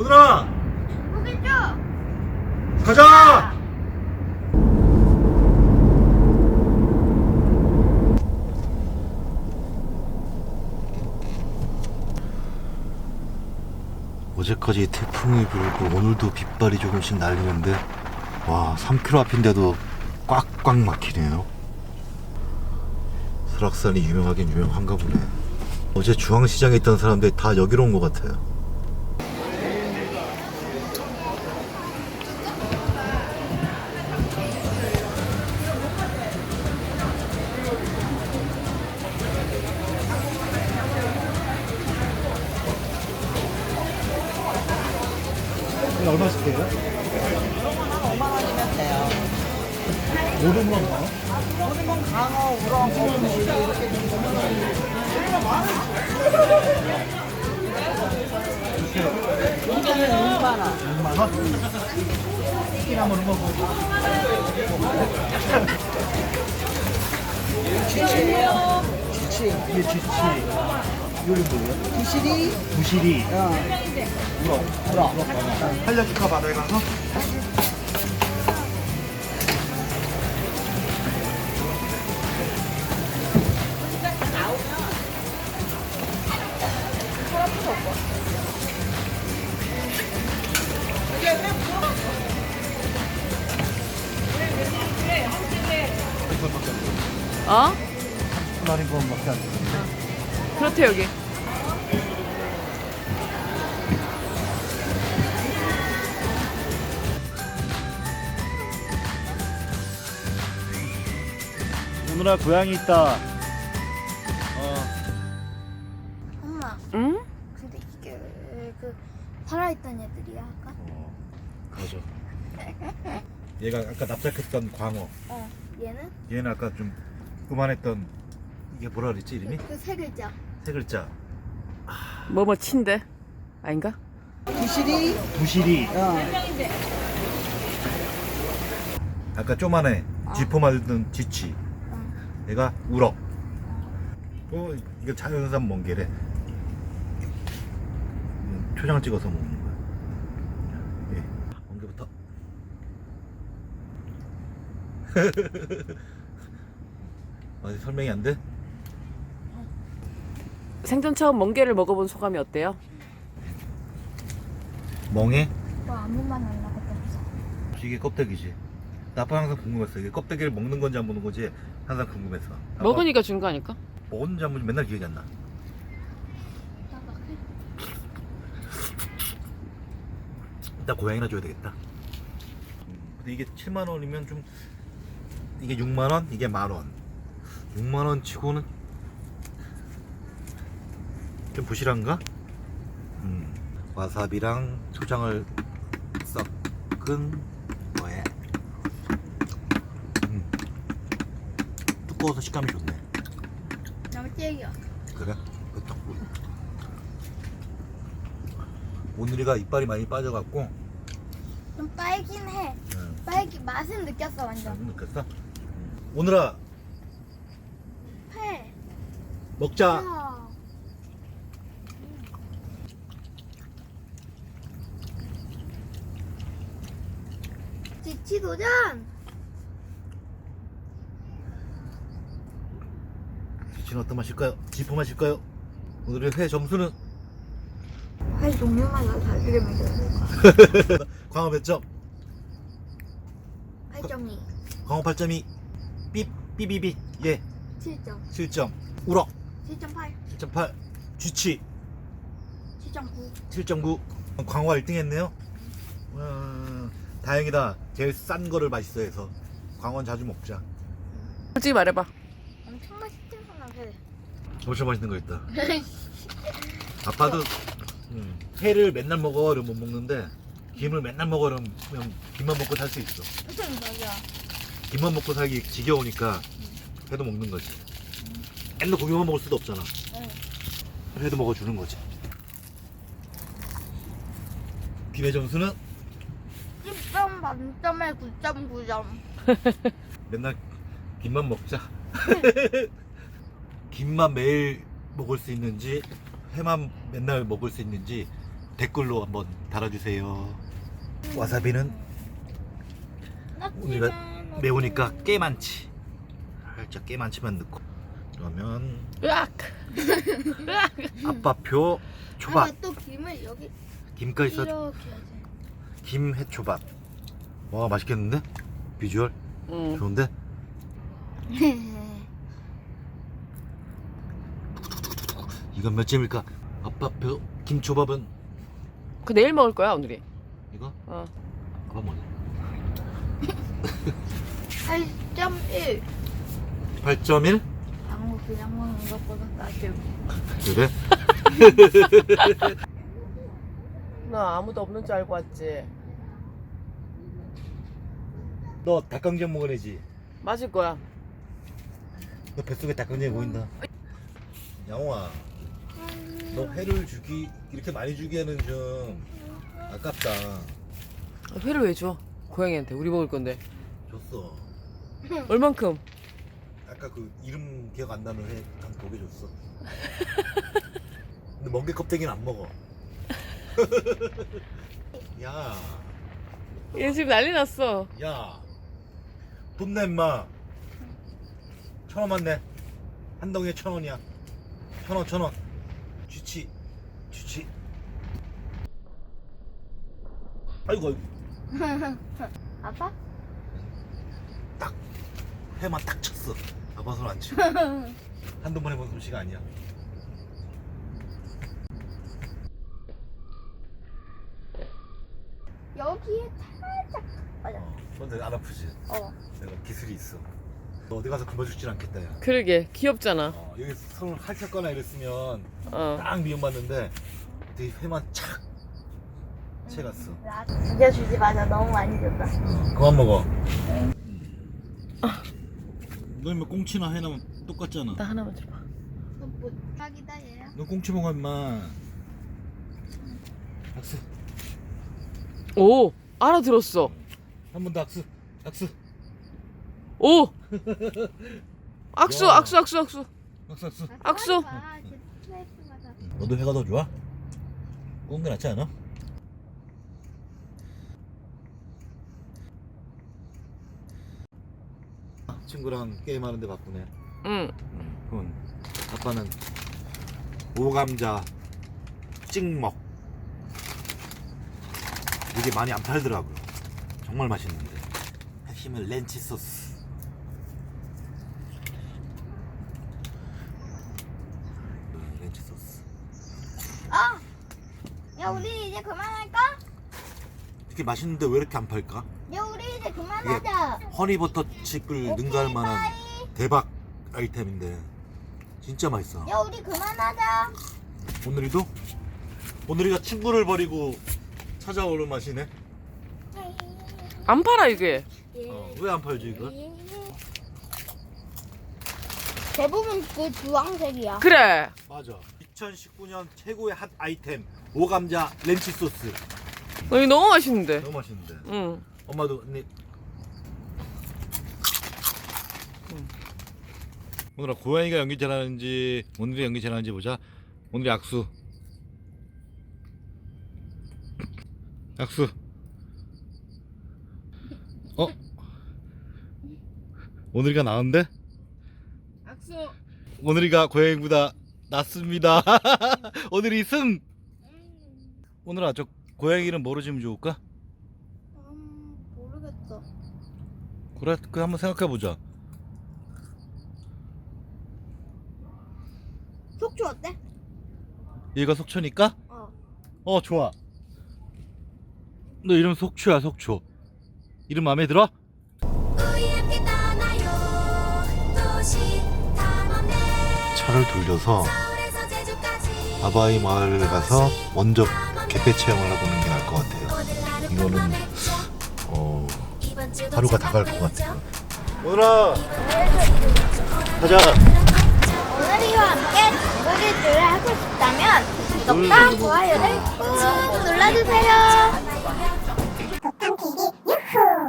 오늘아 보겠죠? 가자. 어제까지 태풍이 불고 오늘도 빗발이 조금씩 날리는데 와 3km 앞인데도 꽉꽉 막히네요. 설악산이 유명하긴 유명한가 보네. 어제 중앙시장에 있던 사람들이 다 여기로 온 것 같아요. 얼마씩 돼요? 한 5만 원이면 돼요. 모든 건 뭐? 모든 건 강어, 우럭, 어묵 이렇게 이거는 6만 원. 6만 원? 치킨 한번 먹고. 쥐치. 이게 쥐치. 이거는 뭐예요? 부시리, 부시리. 우럭. 살려줄까 바다에 가서? 어? 마린 건밖에 안 돼. 그렇대 여기. 오늘아 고양이 있다. 엄마, 응? 근데 이게 그 살아있던 애들이야 아까? 맞아. 얘가 아까 납작했던 광어. 얘는? 얘는 아까 좀 그만했던 이게 뭐라 그랬지 이름이? 그 세 글자. 세 글자. 뭐뭐 친데? 아닌가? 부시리, 부시리. 아까 쪼만해. 쥐포 맞은 쥐치. 얘가 우럭. 이거 자연산 멍게래. 초장 찍어서 먹는 거야. 예. 멍게부터. 아직 설명이 안 돼? 생전 처음 멍게를 먹어본 소감이 어때요? 멍에? 뭐 아무 말 안 나거든. 이게 껍데기지. 나 아빠 항상 궁금했어. 이게 껍데기를 먹는 건지 안 먹는 건지 항상 궁금했어. 아빠 먹으니까 준 거 아닐까? 먹었는지 안 먹는지 맨날 기억이 안 나. 일단 고양이나 줘야 되겠다. 근데 이게 7만 원이면 좀 이게 6만 원, 이게 만 원. 6만 원 치고는 좀 부실한가? 와사비랑 초장을 섞은 거에 두꺼워서 식감이 좋네. 너무 찌개야. 그래? 그 떡국. 오늘이가 이빨이 많이 빠져갖고 좀 빨긴 해. 빨기 맛은 느꼈어 완전. 안 느꼈어? 오늘아 회. 먹자. 우와. 지치 도전. 지치는 어떤 맛일까요? 지포 맛일까요? 오늘의 회 점수는 회 종류마다 다르게 먹어요. 광어 몇 점? 8.2, 광어 8.2. 삐삐삐삐. 예 7점, 7점. 우럭 7.8, 7.8. 쥐치 7.9. 7.9. 광어가 1등 했네요. 다행이다. 제일 싼 거를 맛있어 해서. 광어는 자주 먹자. 솔직히 말해봐. 엄청 맛있잖아 회. 엄청 맛있는 거 있다. 아빠도 회를 맨날 먹어 그러면 못 먹는데 김을 맨날 먹어 그러면 김만 먹고 살 수 있어. 맞아. 김만 먹고 살기 지겨우니까 회도 먹는 거지. 맨날 고기만 먹을 수도 없잖아. 회도 먹어주는 거지. 김의 점수는 10점 만점에 9.9점. 맨날 김만 먹자. 김만 매일 먹을 수 있는지 회만 맨날 먹을 수 있는지 댓글로 한번 달아주세요. 와사비는 우리가 매우니까 꽤 많지. 살짝 꽤 많지만 넣고. 그러면 으악! 아빠표 초밥. 아빠 또 김을 여기 김까지 써. 이렇게 해야지. 김해초밥. 와 맛있겠는데? 비주얼 응. 좋은데? 이건 몇 점일까? 아빠표 김초밥은 그 내일 먹을 거야 오늘이. 이거? 어. 아빠 뭐냐? 8.1. 8.1? 양호 그냥 먹는 것보다 낫죠. 그래? 나 아무도 없는 줄 알고 왔지. 너 닭강정 먹어내지? 맞을 거야. 너 뱃속에 닭강정이 보인다. 양호아, 너 회를 주기 이렇게 많이 주기에는 좀 아깝다. 회를 왜 줘? 고양이한테 우리 먹을 건데. 줬어. 얼만큼? 아까 그 이름 기억 안 나는 회 한 2개 줬어. 근데 멍게 껍데기는 안 먹어. 야, 얘 지금 난리 났어. 야, 돈 내 임마. 1,000원만 내. 한 덩이에 1,000원이야. 1,000원, 1,000원. 쥐치. 아이고, 아빠? 딱 회만 딱 쳤어. 아빠 손 안 치고. 한두 번 해본 솜씨가 아니야. 여기에 살짝 맞아. 근데 안 아프지? 어. 내가 기술이 있어. 너 어디 가서 굶어 죽진 않겠다, 야. 그러게 귀엽잖아. 여기 손을 할켰거나 이랬으면 어. 딱 미움받는데 되게 회만 착 채갔어. 진짜 주지 마자. 너무 많이 줬다. 그만 먹어. 너 임마 꽁치나 회나 똑같잖아. 나 하나만 줘봐. 뭐 딱이다 얘야. 너 꽁치 먹어 임마. 악수. 오 알아들었어. 한 번 더 악수. 오 악수 야. 악수 악수 악수. 악수. 너도 회가 더 좋아? 꽁게 낫지 않아? 친구랑 게임하는데 바쁘네. 응. 그럼 아빠는 오감자 찍먹. 이게 많이 안 팔더라고요. 정말 맛있는데. 핵심은 렌치 소스. 렌치 소스. 야 우리 이제 그만할까? 이렇게 맛있는데 왜 이렇게 안 팔까? 야 우리 이제 그만하자. 허니버터 칩을 능가할 만한 대박 아이템인데 진짜 맛있어. 야 우리 그만하자. 오늘이도? 오늘이가 친구를 버리고 찾아오는 맛이네. 안 팔아 이게. 왜 안 팔지 이거? 대부분 그 주황색이야. 그래. 맞아. 2019년 최고의 핫 아이템 오감자 렌치 소스. 이거 너무 맛있는데. 너무 맛있는데. 응. 엄마도 언니. 오늘아 고양이가 연기 잘하는지 오늘이 연기 잘하는지 보자. 오늘이 악수. 악수. 오늘이가 나은데? 악수. 오늘이가 고양이보다 낫습니다. 오늘이 승. 오늘아 저 고양이 이름 뭐로 지으면 좋을까? 모르겠어. 그래 그 한번 생각해 보자. 속초 어때? 얘가 속초니까? 어. 좋아. 너 이름 속초야 속초. 이름 마음에 들어? 차를 돌려서 아바이 마을을 가서 먼저 갯배 체험을 하고 오는 게 나을 것 같아요. 이거는 하루가 다 갈 것 같아요. 오늘아 가자. 오늘이와 함께 놀이들을 하고 싶다면 구독과 좋아요를 꾹 눌러주세요.